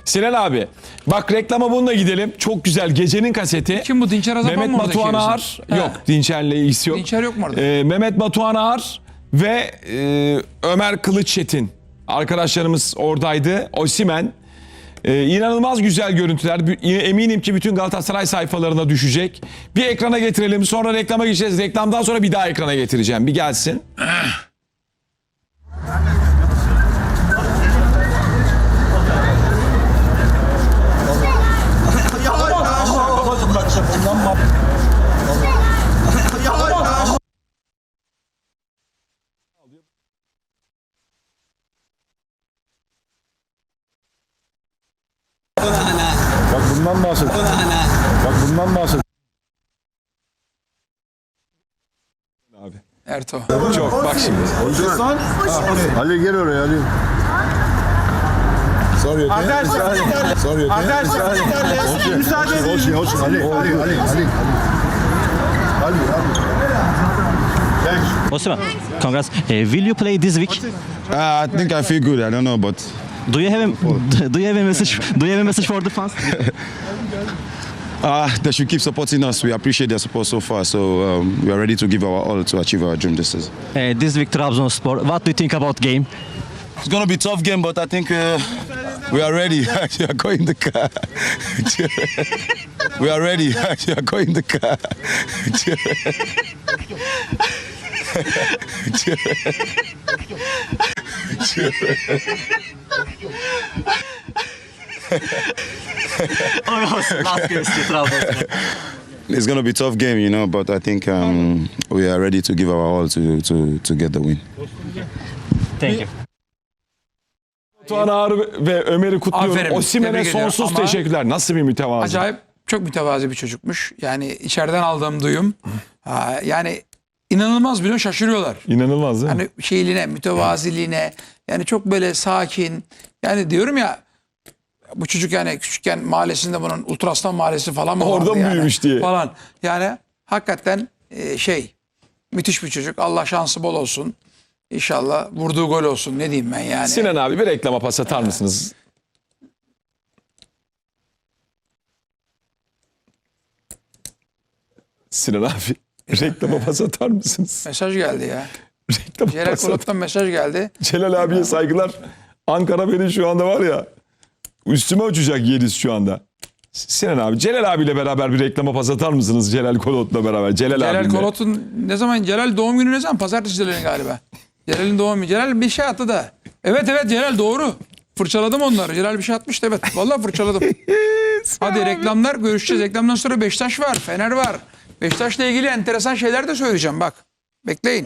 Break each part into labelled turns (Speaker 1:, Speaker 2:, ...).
Speaker 1: Sinan abi bak reklama bununla gidelim. Çok güzel gecenin kaseti.
Speaker 2: Kim bu? Dinçer Azapan
Speaker 1: Mehmet
Speaker 2: mı orada
Speaker 1: Batuhan
Speaker 2: çevirsin?
Speaker 1: Ağar.
Speaker 2: He.
Speaker 1: Yok Dinçer'le ilgisi yok.
Speaker 2: Dinçer yok mu orada?
Speaker 1: Mehmet Batuhan Ağar ve Ömer Kılıççetin. Arkadaşlarımız oradaydı. Osimhen. İnanılmaz güzel görüntüler. Eminim ki bütün Galatasaray sayfalarına düşecek. Bir ekrana getirelim. Sonra reklama geçeceğiz. Reklamdan sonra bir daha ekrana getireceğim. Bir gelsin.
Speaker 3: Bak bundan bahset. Bak bundan bahset.
Speaker 1: Abi.
Speaker 2: Erto.
Speaker 1: Çok bak şimdi.
Speaker 3: Ali gel oraya Ali. Sorry okay? Sorry okay?
Speaker 4: Müsaade edin.
Speaker 3: Olsun Ali. Thanks.
Speaker 5: Osimhen, congrats. Will you play this week?
Speaker 3: I think I feel good. I don't know, but
Speaker 5: Do you have a message? Do you have a message for the fans?
Speaker 3: they should keep supporting us. We appreciate their support so far. So we are ready to give our all to achieve our dream this season.
Speaker 5: This week Trabzonspor. What do you think about game?
Speaker 3: It's gonna be a tough game, but I think we are ready. We are going in the car. We are ready. We are going in the car.
Speaker 5: Last game Trabzonspor.
Speaker 3: It's gonna be a tough game, you know, but I think we are ready to give our all to get the win.
Speaker 5: Thank you.
Speaker 1: Batuhan Ağar ve Ömer'i kutluyorum.
Speaker 2: Aferin.
Speaker 1: Osimhen'e
Speaker 2: Tebrik ediyorum.
Speaker 1: sonsuz
Speaker 2: Ama
Speaker 1: teşekkürler. Nasıl bir mütevazı.
Speaker 2: Acayip çok mütevazi bir çocukmuş. Yani içeriden aldığım duyum. Yani inanılmaz biliyor, şaşırıyorlar.
Speaker 1: İnanılmaz değil mi?
Speaker 2: Hani şeyliğine, mütevaziliğine, yani çok böyle sakin. Yani diyorum ya, bu çocuk yani küçükken mahallesinde bunun Ultraslan Mahallesi falan mı
Speaker 1: Orada
Speaker 2: vardı
Speaker 1: mı
Speaker 2: yani?
Speaker 1: büyümüş diye.
Speaker 2: Falan. Yani hakikaten müthiş bir çocuk. Allah şansı bol olsun. İnşallah vurduğu gol olsun. Ne diyeyim ben yani.
Speaker 1: Sinan abi bir reklama pas atar mısınız? Sinan abi reklama pas atar mısınız?
Speaker 2: Mesaj geldi ya.
Speaker 1: Reklama
Speaker 2: Celal
Speaker 1: pas atar.
Speaker 2: Kolot'tan mesaj geldi.
Speaker 1: Celal abiye saygılar. Ankara beni şu anda var ya üstüme uçacak Yediz şu anda. Sinan abi Celal abiyle beraber bir reklama pas atar mısınız? Celal Kolot'la beraber. Celal
Speaker 2: Celal
Speaker 1: abimle.
Speaker 2: Kolot'un ne zaman, Celal doğum günü ne zaman? Pazartesi Celal'in galiba. Celal'in doğum günü. Celal bir şey attı da. Evet Celal doğru. Fırçaladım onları. Celal bir şey atmıştı, evet. Vallahi fırçaladım. Hadi reklamlar, görüşeceğiz. Reklamdan sonra Beşiktaş var, Fener var. Beşiktaş'la ilgili enteresan şeyler de söyleyeceğim bak. Bekleyin.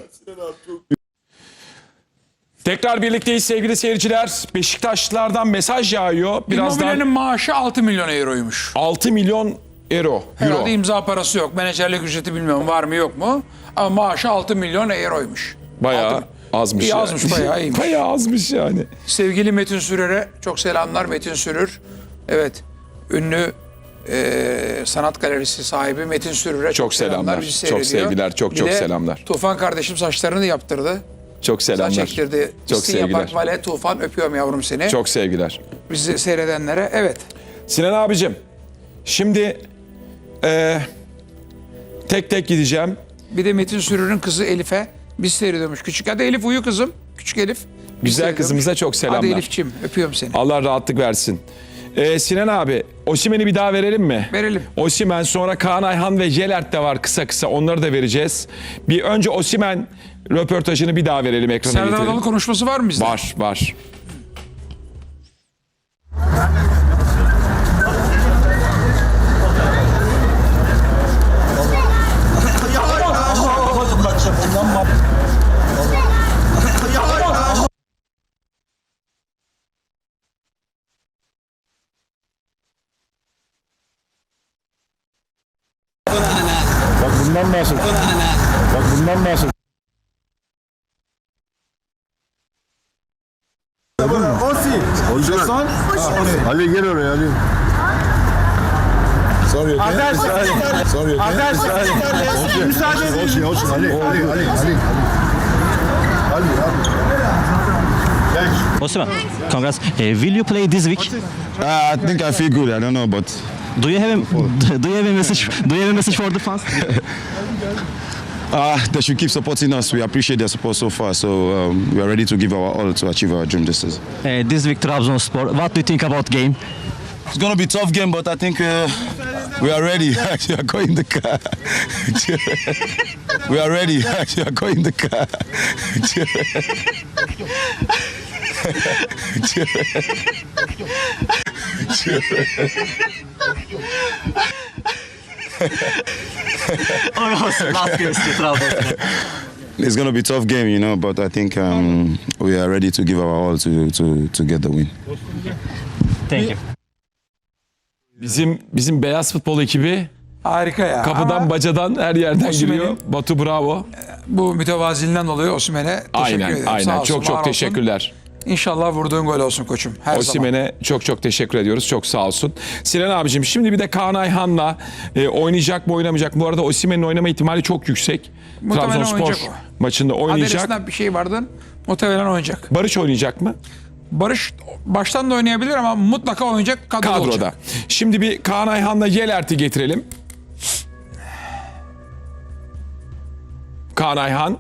Speaker 1: Tekrar birlikteyiz sevgili seyirciler. Beşiktaşlılardan mesaj yağıyor.
Speaker 2: Immobile'nin
Speaker 1: Birazdan
Speaker 2: maaşı 6 milyon euroymuş.
Speaker 1: 6 milyon euro.
Speaker 2: Herhalde imza parası yok. Menajerlik ücreti bilmiyorum var mı yok mu. Ama maaşı 6 milyon euroymuş.
Speaker 1: Bayağı
Speaker 2: Altı-
Speaker 1: azmış.
Speaker 2: İyi
Speaker 1: yani.
Speaker 2: azmış, bayağı iyiymiş.
Speaker 1: Bayağı azmış yani.
Speaker 2: Sevgili Metin Sürer'e çok selamlar. Metin Sürür. Evet. Ünlü sanat galerisi sahibi Metin Sürür'e çok selamlar. Bizi
Speaker 1: Çok
Speaker 2: seyrediyor.
Speaker 1: sevgiler, çok
Speaker 2: Bir
Speaker 1: çok
Speaker 2: de
Speaker 1: selamlar.
Speaker 2: Tufan kardeşim saçlarını yaptırdı.
Speaker 1: Çok
Speaker 2: Saç
Speaker 1: selamlar.
Speaker 2: ektirdi.
Speaker 1: Çok
Speaker 2: İstinye
Speaker 1: sevgiler.
Speaker 2: Park Vale, Tufan, öpüyorum yavrum seni.
Speaker 1: Çok sevgiler.
Speaker 2: Bizi seyredenlere. Evet.
Speaker 1: Sinan abicim şimdi tek tek gideceğim.
Speaker 2: Bir de Metin Sürür'ün kızı Elif'e biz seyrediyormuş. Küçük. Hadi Elif uyu kızım. Küçük Elif. Biz
Speaker 1: Güzel
Speaker 2: seyrediyormuş.
Speaker 1: kızımıza çok selamlar.
Speaker 2: Hadi Elif'ciğim öpüyorum seni.
Speaker 1: Allah rahatlık versin. Sinan abi Osimhen'i bir daha verelim mi?
Speaker 2: Verelim.
Speaker 1: Osimhen, sonra Kaan Ayhan ve Jelert de var kısa kısa, onları da vereceğiz. Bir önce Osimhen röportajını bir daha verelim, ekrana
Speaker 2: Serdar
Speaker 1: getirelim.
Speaker 2: Adalı konuşması var mı bizde?
Speaker 1: Var.
Speaker 3: Bak bundan bahset. Bak bundan bahset. Olsun. Ali gel oraya Ali. Sorry okay? Sorry okay?
Speaker 4: Müsaade edin.
Speaker 3: Olsun Ali. Thanks.
Speaker 5: Osimhen, congrats. Will you play this week?
Speaker 3: I think I feel good. I don't know, but
Speaker 5: Do you have a message? Do you have a message for the fans?
Speaker 3: they should keep supporting us. We appreciate their support so far. So we are ready to give our all to achieve our dream this season.
Speaker 5: This week Trabzonspor. What do you think about game?
Speaker 3: It's gonna be a tough game, but I think we are ready. We are going in the car. We are ready. We are going in the car.
Speaker 5: Last game Trabzonspor.
Speaker 3: It's gonna be a tough game, you know, but I think we are ready to give our all to get the win.
Speaker 5: Thank you.
Speaker 1: Bizim beyaz futbol ekibi
Speaker 2: Harika ya.
Speaker 1: kapıdan
Speaker 2: Ama
Speaker 1: bacadan her yerden
Speaker 2: Osimhen'in-
Speaker 1: giriyor. Batu bravo.
Speaker 2: bu mütevaziliğinden dolayı Osimhen'e teşekkür
Speaker 1: Aynen
Speaker 2: ederim. Sağ
Speaker 1: aynen.
Speaker 2: olsun,
Speaker 1: Çok
Speaker 2: var olsun.
Speaker 1: teşekkürler.
Speaker 2: İnşallah vurduğun gol olsun koçum. Her zaman.
Speaker 1: Osimhen'e çok teşekkür ediyoruz. Çok sağ olsun. Sinan abicim şimdi bir de Kaan Ayhan'la oynayacak mı oynamayacak mı? Bu arada Osimhen'in oynama ihtimali çok yüksek.
Speaker 2: Muhtemelen
Speaker 1: Trabzonspor
Speaker 2: oynayacak
Speaker 1: maçında oynayacak.
Speaker 2: Adresinden bir şey vardı. Muhtemelen oynayacak.
Speaker 1: Barış oynayacak mı?
Speaker 2: Barış baştan da oynayabilir ama mutlaka oynayacak. Kadroda.
Speaker 1: Kadroda.
Speaker 2: olacak.
Speaker 1: Şimdi bir Kaan Ayhan'la Yelert'i getirelim. Kaan Ayhan.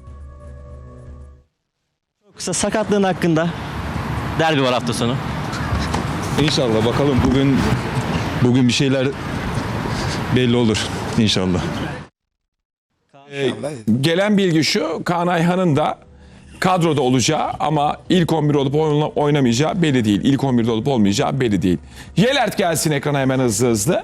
Speaker 5: Kısa sakatlığın hakkında derbi var hafta sonu.
Speaker 4: İnşallah bakalım bugün bir şeyler belli olur inşallah.
Speaker 1: Gelen bilgi şu, Kaan Ayhan'ın da kadroda olacağı ama ilk 11 olup oynamayacağı belli değil. İlk 11'de olup olmayacağı belli değil. Yelert gelsin ekrana hemen hızlı.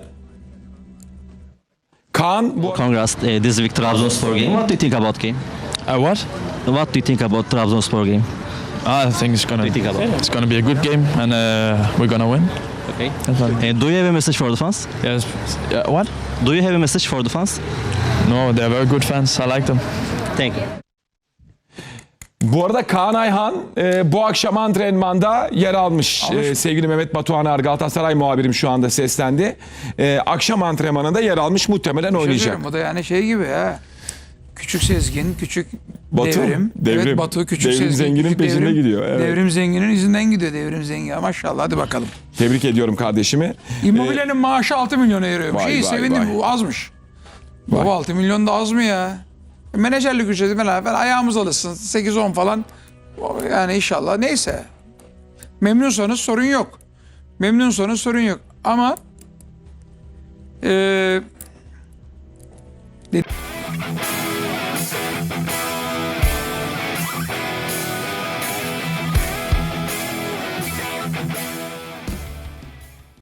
Speaker 1: Kaan bu
Speaker 5: Congrats. This week Trabzonspor game. What do you think about game?
Speaker 6: What?
Speaker 5: What do you think about Trabzonspor game?
Speaker 6: I think it's gonna be a good game, and we're gonna win.
Speaker 5: Okay.
Speaker 6: Definitely.
Speaker 5: Do you have a message for the fans?
Speaker 6: Yes. What?
Speaker 5: Do you have a message for the fans?
Speaker 6: No, they're very good fans. I like them.
Speaker 5: Thank you.
Speaker 1: Bu arada Kaan Ayhan bu akşam antrenmanda yer almış. Sevgili Mehmet Batuhaner Galatasaray muhabirim şu anda seslendi. Akşam antrenmanında yer almış, muhtemelen oynayacak.
Speaker 2: Bu da yani şey gibi ya. Küçük Sezgin, küçük
Speaker 1: Batu,
Speaker 2: Devrim.
Speaker 1: Devrim.
Speaker 2: Evet, Batu, küçük
Speaker 1: Devrim
Speaker 2: Sezgin.
Speaker 1: Zengin'in
Speaker 2: küçük
Speaker 1: peşinde
Speaker 2: Devrim.
Speaker 1: gidiyor, evet.
Speaker 2: Devrim Zengin'in izinden gidiyor Devrim Zengin. Maşallah, hadi bakalım.
Speaker 1: Tebrik ediyorum kardeşimi.
Speaker 2: Immobile'nin maaşı 6 milyona eriyormuş.
Speaker 1: Vay,
Speaker 2: İyi,
Speaker 1: vay,
Speaker 2: sevindim.
Speaker 1: vay.
Speaker 2: Bu azmış. Baba 6 milyon da az mı ya? Menajerlik ücreti falan ayağımız alışsın. 8-10 falan. Yani inşallah. Neyse. Memnunsanız sorun yok. Memnunsanız sorun yok. Ama